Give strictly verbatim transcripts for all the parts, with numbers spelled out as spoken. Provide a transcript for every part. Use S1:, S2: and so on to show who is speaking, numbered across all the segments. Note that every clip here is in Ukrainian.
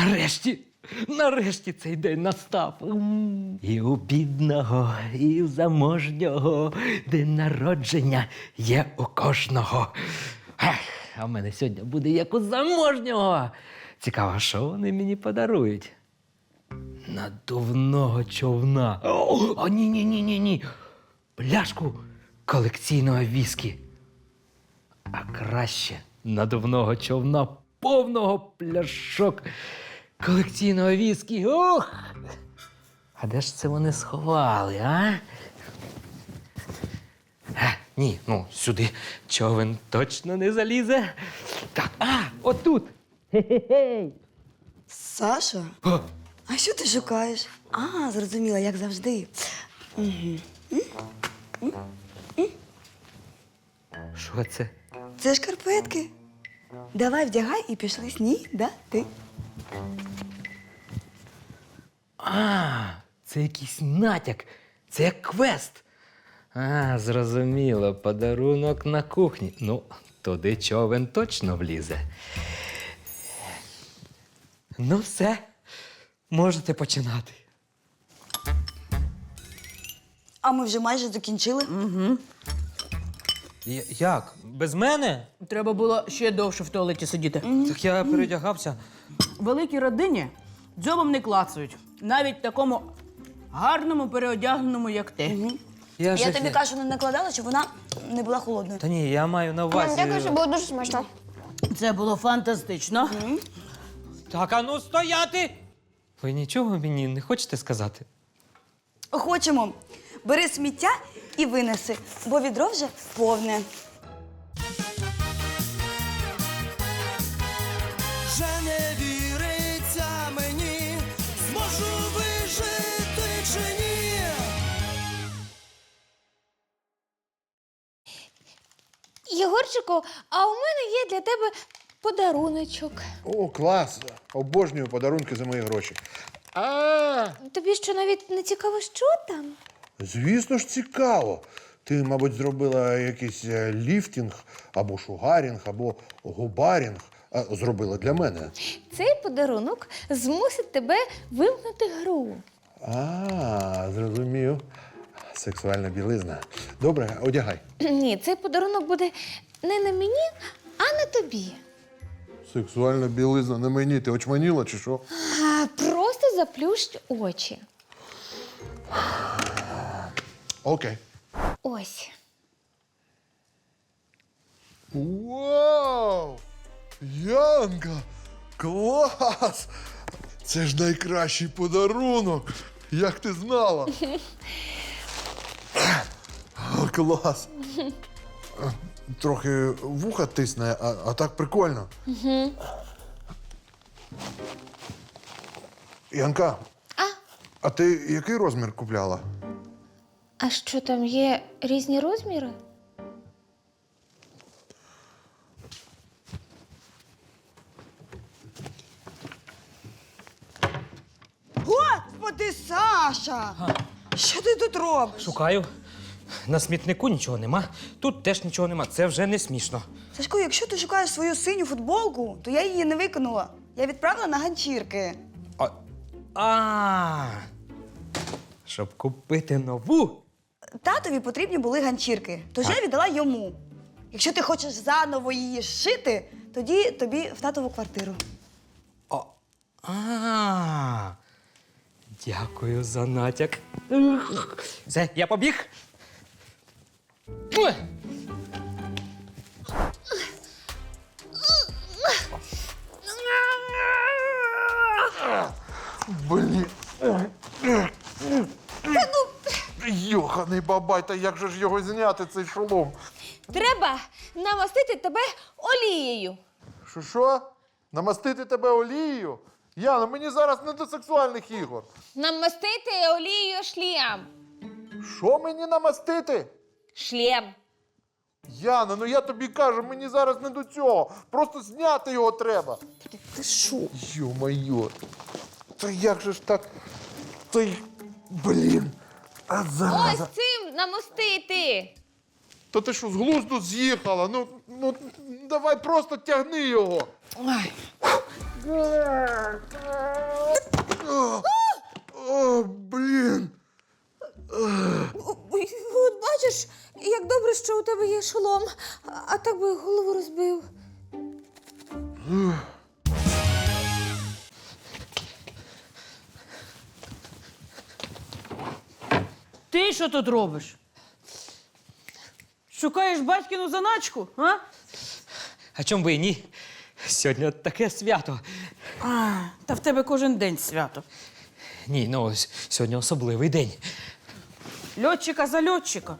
S1: Нарешті, нарешті цей день настав. М. І у бідного, і у заможнього день народження є у кожного. Ех, а в мене сьогодні буде як у заможнього. Цікаво, що вони мені подарують? Надувного човна. О, о, ні-ні-ні-ні-ні. Пляшку колекційного віскі. А краще надувного човна повного пляшок колекційного віскі. Ох! А де ж це вони сховали, а? А, ні, ну, сюди човен точно не залізе. Так, а, отут. Хе-хе-хей.
S2: Саша?
S1: О,
S2: А що ти шукаєш? А, зрозуміла, як завжди.
S1: що це?
S2: Це шкарпетки. Давай вдягай і пішли снідати.
S1: А, це якийсь натяк. Це як квест. А, зрозуміло, подарунок на кухні. Ну, туди човен точно влізе. Ну, все. Можете починати.
S2: А ми вже майже закінчили.
S3: Як? Без мене?
S4: Треба було ще довше в туалеті сидіти.
S3: Так я передягався.
S4: В великій родині дзьобом не клацають. Навіть такому гарному переодягненому, як ти.
S3: Я,
S2: Я тобі кашу не накладала, щоб вона не була холодною.
S3: Та ні, я маю на увазі.
S5: Дякую, що було дуже смачно.
S4: Це було фантастично.
S3: Так, а ну стояти! Ви нічого мені не хочете сказати?
S2: Хочемо. Бери сміття і винеси, бо відро вже повне.
S6: Вже не віриться мені, зможу вижити чи ні.
S5: Єгорчику, а у мене є для тебе подаруночок.
S7: О, клас! Обожнюю подарунки за мої гроші. А,
S5: Тобі що навіть не цікаво, що там?
S7: звісно ж, цікаво. Ти, мабуть, зробила якийсь е, ліфтінг, або шугарінг, або губарінг. А, зробила для мене.
S5: Цей подарунок змусить тебе вимкнути гру.
S7: А, зрозумів. Сексуальна білизна. Добре, одягай.
S5: Ні, цей подарунок буде не на мені, а на тобі.
S7: Сексуальна білизна на мені. Ти очманіла чи що?
S5: А просто заплющ очі.
S7: Окей.
S5: Ось.
S7: Вау! Янка! Клас! Це ж найкращий подарунок! Як ти знала? О, клас! Трохи вуха тисне, а, а так прикольно. Угу. Янка,
S5: А?
S7: а ти який розмір купляла?
S5: А що там є різні розміри?
S2: Господи, Саша! Що ти тут робиш?
S3: Шукаю. На смітнику нічого нема, тут теж нічого нема. Це вже не смішно.
S2: Сашко, якщо ти шукаєш свою синю футболку, то я її не викинула. Я відправила на ганчірки.
S3: А. а Щоб купити нову.
S2: Татові потрібні були ганчірки, тож я віддала йому. Якщо ти хочеш заново її шити, тоді тобі в татову квартиру.
S3: А. а Дякую за натяк. Все, я побіг. Ой.
S7: Блін. Йоханий бабай, та як же ж його зняти, цей шолом?
S5: Треба намастити тебе олією.
S7: Що що? Намастити тебе олією? Яна, мені зараз не до сексуальних ігор.
S5: Намастити олією шлем.
S7: Що мені намастити?
S5: Шлем.
S7: Яна, ну я тобі кажу, мені зараз не до цього. Просто зняти його треба.
S2: Ти що?
S7: Йо-моє. Та як же ж так? Та й... Блін. А зараза.
S5: Ось цим намастити.
S7: Та ти що, з глузду з'їхала? Ну, ну, давай просто тягни його.
S4: Ой. Ти що тут робиш? Шукаєш батькину заначку, а?
S3: А чом би і ні? Сьогодні таке свято.
S4: А, та в тебе кожен день свято.
S3: Ні, ну ось сьогодні особливий день.
S4: Льотчика за льотчика.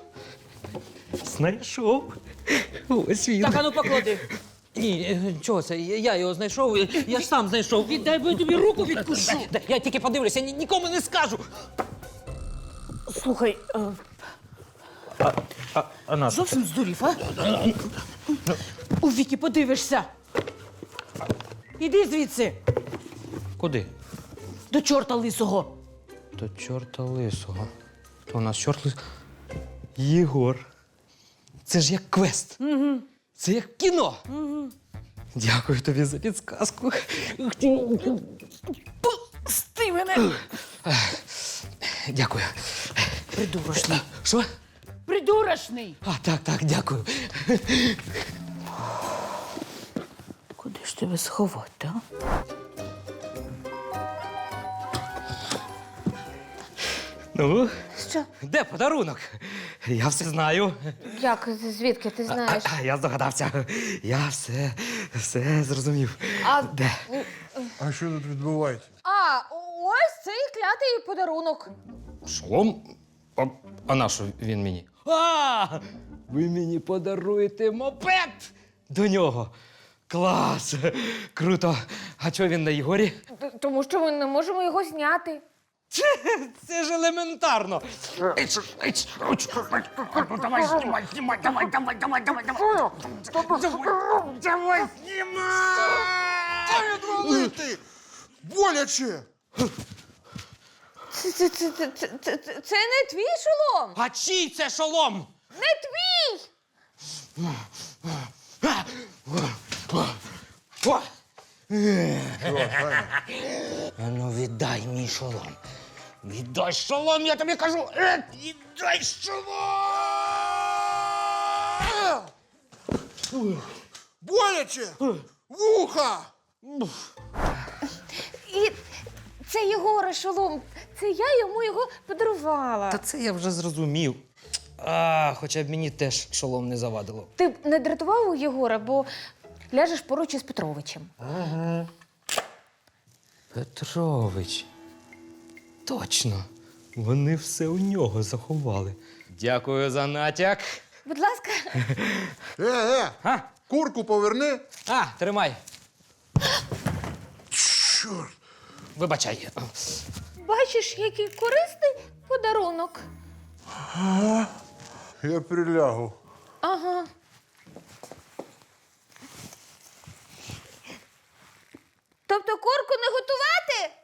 S3: Знайшов. Ось він.
S4: Так, ану поклади.
S3: Ні, е, чого це? Я я його знайшов, я- я ж сам знайшов.
S4: Віддай, бо я тобі руку відкушу.
S3: Да, я тільки подивлюся, ні- нікому не скажу.
S4: Слухай, е,
S3: А на
S4: зовсім здурів, а? У віки подивишся. Іди звідси,
S3: Куди?
S4: до чорта лисого.
S3: До чорта лисого. То у нас чорт лис... Єгор. Це ж як квест. Угу. Це як кіно. Угу. Дякую тобі за підсказку.
S4: Пусти мене!
S3: Дякую.
S4: Придурочний.
S3: Що?
S4: Придурочний!
S3: А, так, так, дякую.
S4: Куди ж тебе сховати, а?
S3: Ну,
S5: Що?
S3: де подарунок? Я все знаю.
S5: Як? Звідки ти знаєш?
S3: А, я здогадався. Я все, все зрозумів.
S5: А,
S3: Де?
S7: А що тут відбувається?
S5: а ось цей клятий подарунок.
S3: Шолом? А, а на що він мені? А! Ви мені подаруєте мопед до нього. Клас! Круто! А чого він на Єгорі?
S5: Т- Тому що ми не можемо його зняти.
S3: Це ж елементарно. Давай знімай, знімай, давай, давай, давай, давай, давай. Давай знімай!
S7: Відвалити! Боляче!
S5: Це, це, це, це, це, це, це- це не твій шолом!
S3: А чий це шолом?
S5: Не твій!
S3: О! А ну віддай мій шолом. Віддай шолом, я тобі кажу. Е, Віддай шолом!
S7: Боляче! Вуха!
S5: І це Єгора шолом. Це я йому його подарувала.
S3: Та це я вже зрозумів. А, хоча б мені теж шолом не завадило.
S5: Ти б не дратував у Єгора, бо ляжеш поруч із Петровичем.
S3: Петрович. Точно. Вони все у нього заховали. Дякую за натяк.
S5: Будь ласка.
S7: Е, е!
S3: А,
S7: Курку поверни!
S3: а тримай.
S7: Чорт!
S3: Вибачай.
S5: Бачиш, який корисний подарунок.
S7: Я прилягу.
S5: Ага. Тобто курку не готувати?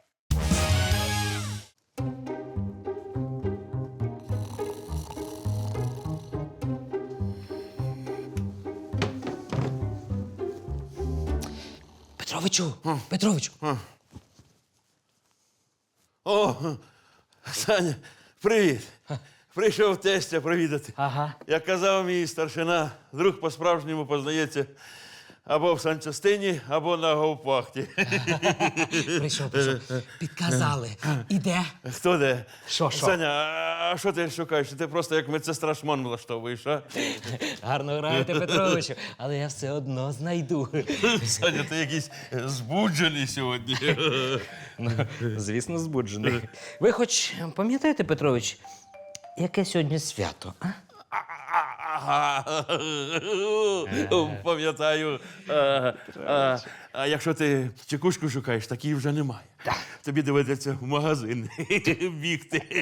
S3: Петровичу, Петровичу.
S8: О, Саня, привіт. Прийшов тестя провідати.
S3: Ага.
S8: Як казав мій старшина, друг по-справжньому познається або в санчастині, або на говпахті.
S3: Прийшов, прийшов. Підказали. Іде.
S8: Хто де?
S3: Що, що?
S8: Саня, а- а що ти шукаєш? Ти просто як медсестра шмон влаштовуєш, а?
S3: Гарно граєте, Петровичу, але я все одно знайду.
S8: Саня, ти якийсь збуджений сьогодні.
S3: Ну, звісно, збуджений. Ви хоч пам'ятаєте, Петрович, яке сьогодні свято? А?
S8: Ага. Пам'ятаю. А, а, а якщо ти чекушку шукаєш, такої вже немає. Тобі доведеться в магазин бігти.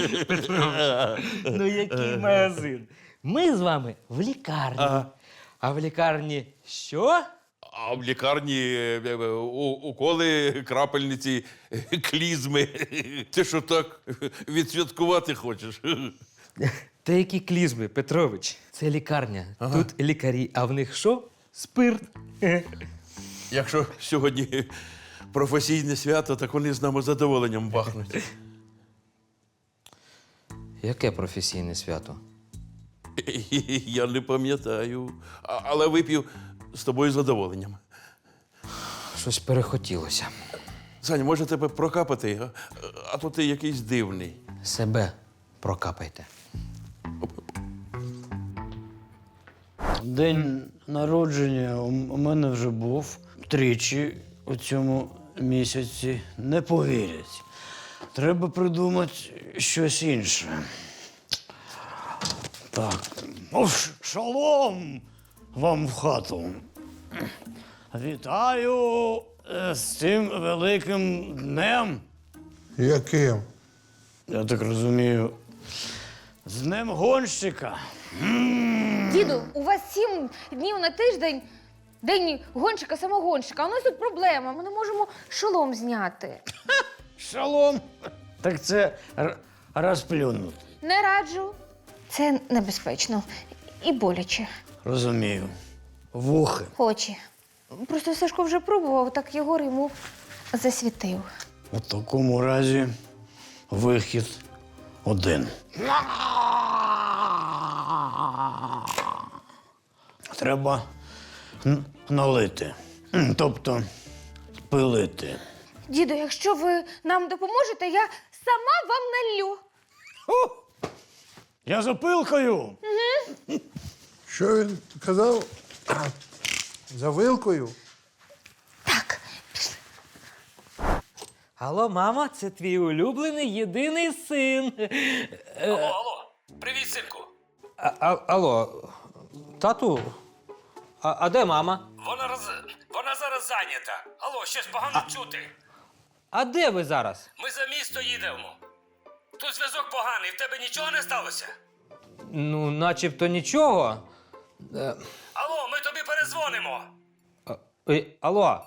S3: Ну, який магазин? Ми з вами в лікарні.
S8: Ага.
S3: А в лікарні що?
S8: А в лікарні е, е, у- уколи, крапельниці, е, клізми. Ти що так відсвяткувати хочеш?
S3: Та які клізми, Петрович? Це лікарня. Тут лікарі, а в них що? Спирт.
S8: Якщо сьогодні професійне свято, так вони з нами задоволенням бахнуть.
S3: Яке професійне свято?
S8: Я не пам'ятаю. А- Але вип'ю з тобою з задоволенням.
S3: Щось перехотілося.
S8: Саня, може тебе прокапати, а, а то ти якийсь дивний.
S3: Себе прокапайте.
S9: День народження у м- у мене вже був тричі у цьому місяці. Не повірять. Треба придумати щось інше. Так. О, ш- шалом вам в хату. Вітаю е, з цим великим днем.
S7: Яким?
S9: Я так розумію. З днем гонщика.
S5: Діду, у вас сім днів на тиждень день гонщика, самогонщика. А у нас тут проблема. Ми не можемо шолом зняти.
S9: Шалом. Так це р- розплюнути.
S5: Не раджу. Це небезпечно і боляче.
S9: Розумію. Вухи.
S5: Очі. Просто Сашко вже пробував, так Єгор йому засвітив.
S9: У такому разі вихід один. Треба н- налити. М, Тобто пилити.
S5: Діду, якщо ви нам допоможете, я сама вам налью.
S9: Я за пилкою.
S7: Що він казав? За вилкою?
S5: Так.
S1: Алло, мама, це твій улюблений єдиний син.
S3: Алло, алло. Привіт, синку. А, а, алло, тату? А, а де мама?
S10: Вона роз... вона зараз зайнята. Алло, щось погано чути.
S3: А де ви зараз?
S10: Ми за місто їдемо. Тут зв'язок поганий, в тебе нічого не сталося?
S3: Ну, начебто нічого. Е,
S10: Алло, ми тобі перезвонимо.
S3: а, е, алло.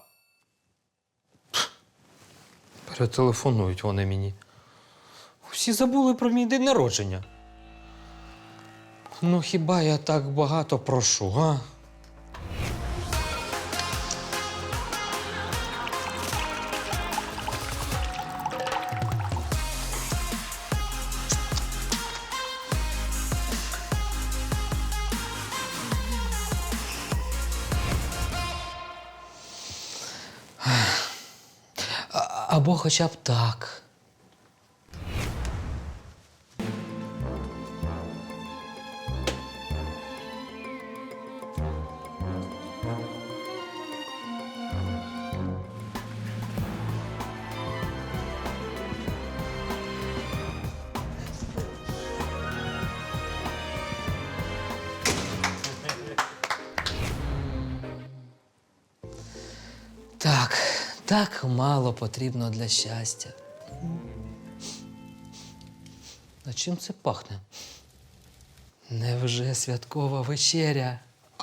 S3: Перетелефонують вони мені. Всі забули про мій день народження. Ну, хіба я так багато прошу, а? А- Або хоча б так. Так, так мало потрібно для щастя. А чим це пахне? Невже святкова вечеря?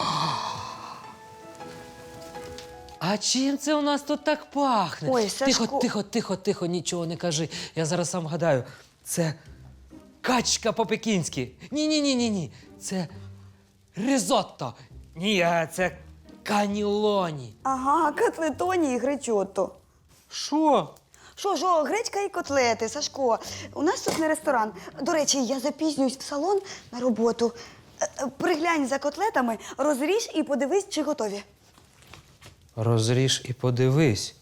S3: А чим це у нас тут так пахне?
S2: Ой,
S1: Тихо,
S2: Сашко.
S1: тихо, тихо, тихо, нічого не кажи. Я зараз сам гадаю. Це качка по-пекінськи. Ні-ні-ні, ні, ні. Це ризотто. Ні, а це канілоні.
S2: Ага, котлетоні і гречотто.
S1: Що?
S2: Що ж, о, гречка і котлети, Сашко. У нас тут не ресторан. До речі, я запізнююсь в салон на роботу. Е, е, Приглянь за котлетами, розріж і подивись, чи готові.
S1: Розріж і подивись.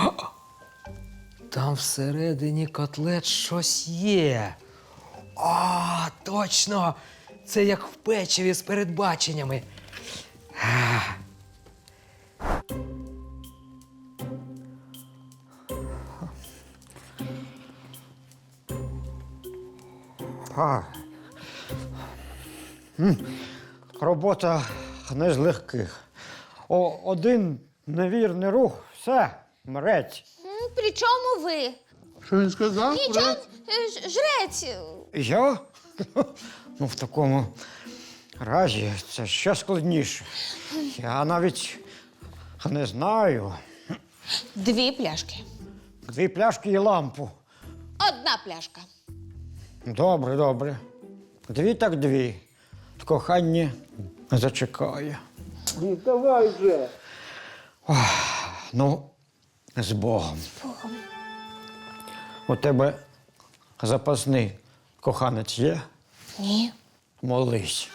S1: Там всередині котлет щось є. А, точно! Це як в печиві з передбаченнями. А.
S9: А. М, Робота не з легких. О, один невірний рух, все, мрець.
S5: М, При чому ви?
S7: Що він сказав?
S5: Нічого, е, ж- жрець.
S9: Я? Ну, в такому разі це ще складніше. Я навіть не знаю.
S5: Дві пляшки.
S9: Дві пляшки і лампу.
S5: Одна пляшка.
S9: Добре, добре. Дві так дві. Кохання зачекає.
S7: Давай вже.
S9: Ну, з Богом.
S5: Богом.
S9: У тебе запасний коханець є?
S5: Ні.
S9: Молись.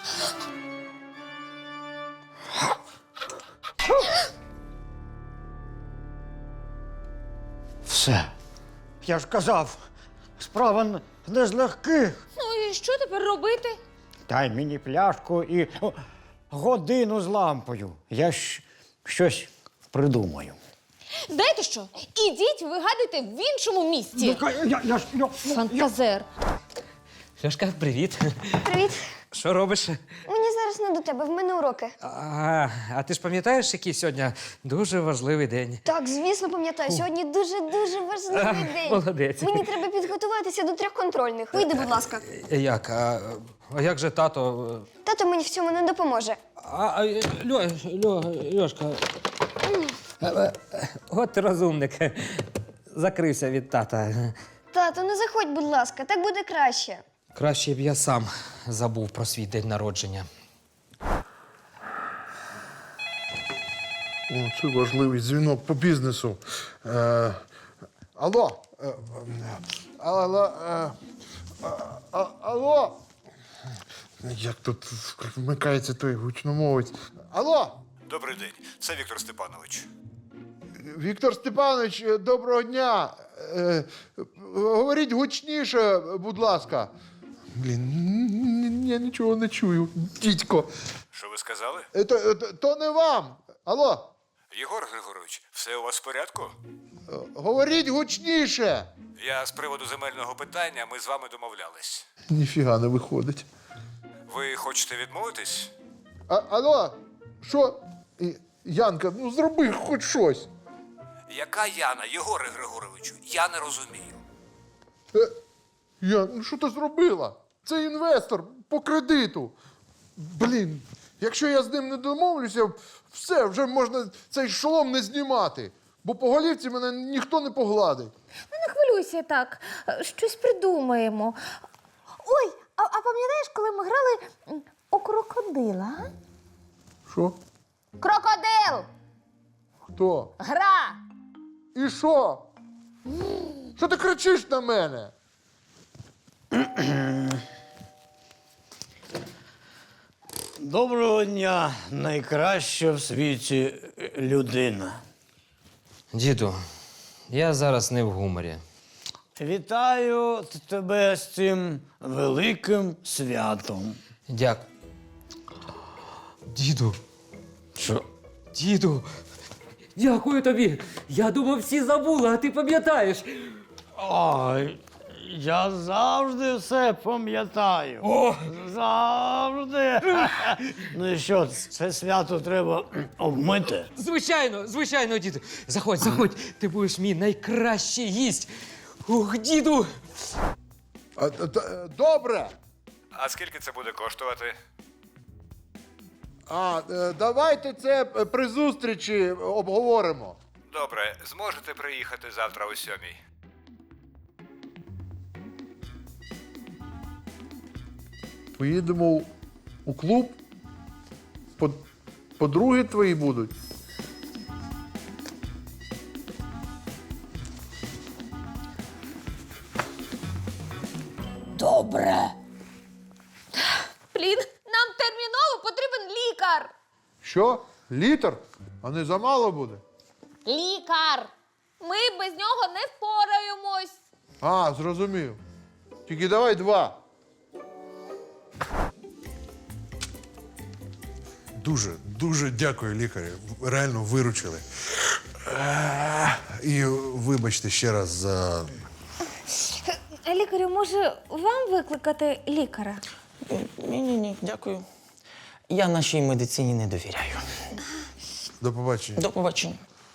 S9: Все. Я ж казав, справа н- не з легких.
S5: Ну і що тепер робити?
S9: Дай мені пляшку і о, годину з лампою. Я ж щось придумаю.
S5: Знаєте що? Ідіть вигадуйте в іншому місці.
S9: Я, я, ж- я,
S5: Фантазер.
S3: Льошка, привіт.
S2: Привіт.
S3: Що робиш?
S2: Мені зараз не до тебе, в мене уроки.
S3: А, а ти ж пам'ятаєш, який сьогодні дуже важливий день?
S2: Так, звісно, пам'ятаю. Сьогодні дуже-дуже важливий день.
S3: молодець.
S2: Мені треба підготуватися до трьох контрольних. Вийди, будь ласка.
S3: Як? А, а як же тато?
S2: Тато мені в цьому не допоможе.
S3: А, а, Льо, Льо, Льошка. А, а, От ти розумник. Закрився від тата.
S2: Тато, не заходь, будь ласка, так буде краще.
S3: Краще б я сам забув про свій день народження.
S7: О, це важливий дзвінок по бізнесу. Е, алло. Е, е, алло. Е, а, алло. Як тут вмикається той гучномовець? Алло.
S11: Добрий день, це Віктор Степанович.
S7: Віктор Степанович, е, доброго дня. Е, говоріть гучніше, будь ласка. Блін, н- н- я нічого не чую. Дідько.
S11: Що ви сказали?
S7: Е, То, то, то не вам. Алло.
S11: Єгор Григорович, все у вас в порядку?
S7: Е, Говоріть гучніше.
S11: Я з приводу земельного питання, ми з вами домовлялись.
S7: Ніфіга не виходить.
S11: Ви хочете відмовитись?
S7: А, алло, що? І- Янка, ну зроби хоч щось.
S11: Яка Яна, Єгоре Григоровичу? Я не розумію.
S7: Е, Ян, ну що ти зробила? Це інвестор по кредиту. Блін, якщо я з ним не домовлюся, все, вже можна цей шолом не знімати. Бо по голівці мене ніхто не погладить.
S5: Ну, не хвилюйся так. Щось придумаємо. Ой, а, а пам'ятаєш, коли ми грали м, у крокодила? а?
S7: Що?
S5: Крокодил!
S7: Хто?
S5: Гра!
S7: І що? Що ти кричиш на мене?
S9: Доброго дня, найкраща в світі людина.
S3: Діду, я зараз не в гуморі.
S9: Вітаю т- тебе з цим великим святом.
S3: Дякую. Діду,
S9: Що?
S3: діду, дякую тобі. Я думав, всі забули, а ти пам'ятаєш.
S9: Ой, я завжди все пам'ятаю.
S3: О!
S9: Завжди. Ну і що, це свято треба обмити?
S3: Звичайно, звичайно, діду. Заходь, заходь. Ти будеш мій найкращий гість. Ух, діду.
S7: А, та- та- добре.
S11: А скільки це буде коштувати?
S7: А, е, давайте це е, при зустрічі обговоримо.
S11: Добре, зможете приїхати завтра о сьомій?
S7: Поїдемо у- у клуб. По- Подруги твої будуть.
S5: Блін, нам терміново потрібен лікар!
S7: Що? Літр? А не замало буде?
S5: Лікар! Ми без нього не впораємось.
S7: А, зрозумів. Тільки давай два.
S12: Дуже, дуже дякую, лікарю. Реально виручили. Е, І вибачте ще раз за.
S5: Лікарю, може, вам викликати лікаря?
S13: Ні-ні-ні, дякую. Я нашій медицині не довіряю.
S12: До побачення.
S13: До побачення.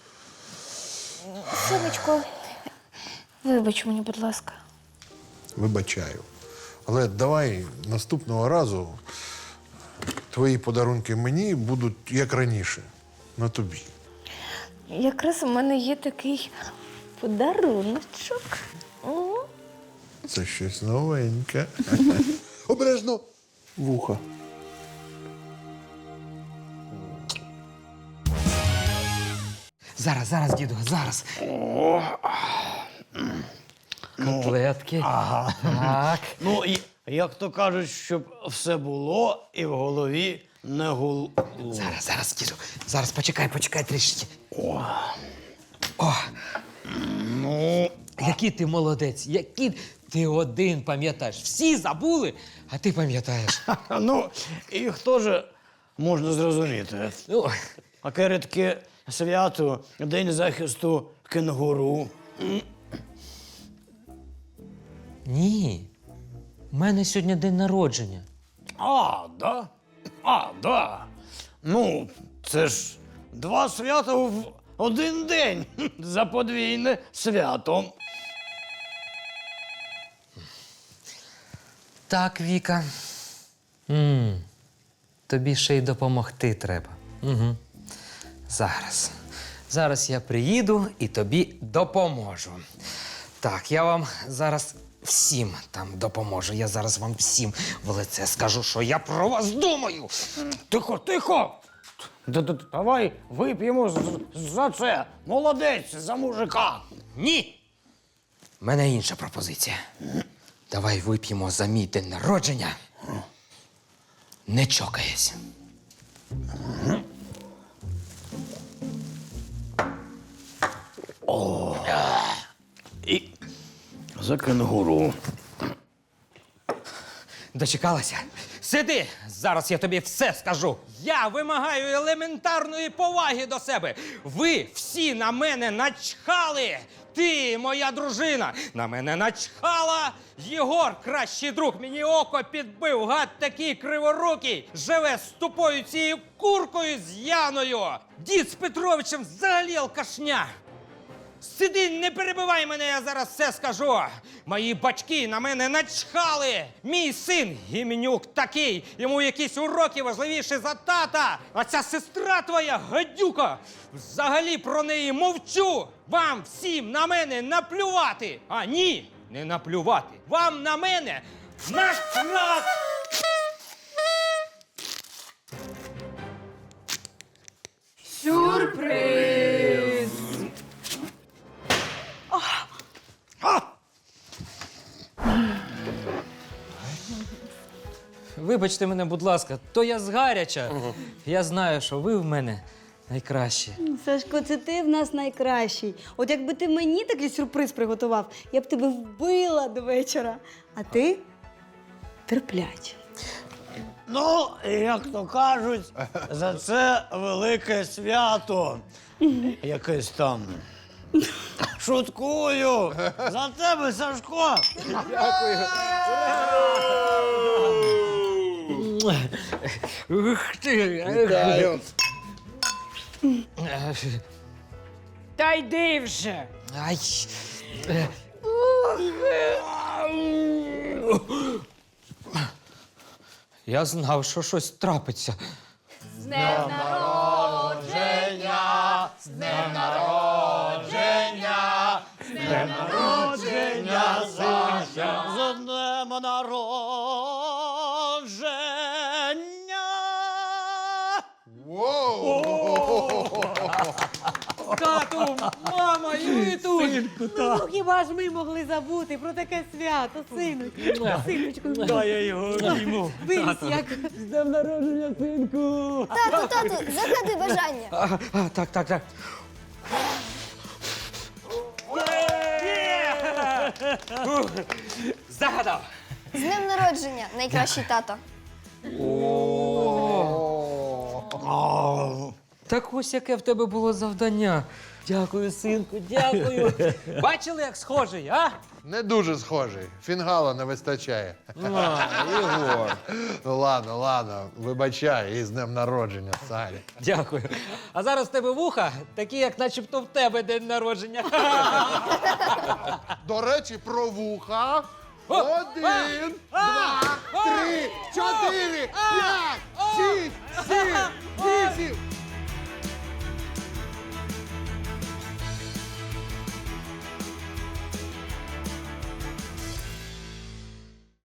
S5: Сонечко, вибач мені, будь ласка.
S12: Вибачаю. Але давай наступного разу твої подарунки мені будуть як раніше, на тобі.
S5: Якраз у мене є такий подаруночок. М.
S12: Це щось новеньке.
S7: Обережно. Вуха.
S3: Зараз, зараз, діду, зараз. Котлетки.
S9: Ага.
S3: Так.
S9: Ну, і як то кажуть, щоб все було і в голові не гуло.
S3: Зараз, зараз, діду. Зараз почекай, почекай трішки. О. О.
S9: Ну,
S3: Який ти молодець, який Ти один пам'ятаєш. Всі забули, а ти пам'ятаєш.
S9: Ну, їх теж можна зрозуміти.
S3: Ну,
S9: А таке свято, День захисту кенгуру.
S3: ні. У мене сьогодні день народження.
S9: А, да? А, да. Ну, це ж два свята в один день. За подвійне свято.
S3: Так, Віка. м Тобі ще й допомогти треба. Угу. Зараз. Зараз я приїду і тобі допоможу. Так, я вам зараз всім там допоможу. Я зараз вам всім в лице скажу, що я про вас думаю.
S9: Тихо, тихо! Давай вип'ємо з- за це. Молодець, за мужика.
S3: Ні. У мене інша пропозиція. Давай вип'ємо за мій день народження. Не чокаясь.
S9: І за кенгуру.
S3: Дочекалася? Сиди! Зараз я тобі все скажу. Я вимагаю елементарної поваги до себе. Ви всі на мене начхали. Ти, моя дружина, на мене начхала. Єгор, кращий друг, мені око підбив. Гад такий криворукий. Живе з тупою цією куркою з Яною. Дід з Петровичем взагалі алкашня. Сиди, не перебивай мене, я зараз все скажу. Мої батьки на мене начхали. Мій син Гіменюк такий, йому якісь уроки важливіші за тата. А ця сестра твоя, гадюка, взагалі про неї мовчу. Вам всім на мене наплювати. А ні, не наплювати. Вам на мене насрати.
S4: Сюрприз!
S3: Вибачте мене, будь ласка, то я згаряча. Я знаю, що ви в мене найкращі.
S2: Сашко, це ти в нас найкращий. От якби ти мені такий сюрприз приготував, я б тебе вбила до вечора. А ти терплячий.
S9: Ну, як то кажуть, за це велике свято. Якесь там. Шуткую! За тебе, Сашко!
S3: Ух ти!
S7: Вітаю.
S4: Та йди вже!
S3: Ай! Я знав, що щось трапиться.
S5: З днем народження! З днем народження! З днем народження, Саша!
S9: З днем народження!
S3: Тату, мама, і ви тут!
S2: Ну, хіба ж ми могли забути про таке свято, синочку? Синочку,
S9: Дай я його обійму.
S2: виріс як.
S9: З днем народження, синку!
S5: Тату, тату, загадай бажання.
S3: А, а, так, так, так. Ух, загадав!
S5: З днем народження, найкращий тато.
S3: Так ось яке в тебе було завдання. Дякую, синку, дякую. Бачили, як схожий, а?
S7: Не дуже схожий. Фінгала не вистачає.
S3: А, Ігор.
S7: Ну ладно, ладно, вибачай, і з днем народження, Салі.
S3: Дякую. А зараз в тебе вуха, такі, як начебто в тебе день народження.
S7: До речі, про вуха.
S3: О,
S7: Один,
S3: а,
S7: два,
S3: а,
S7: три, чотири, п'ять, шість, сім, вісім,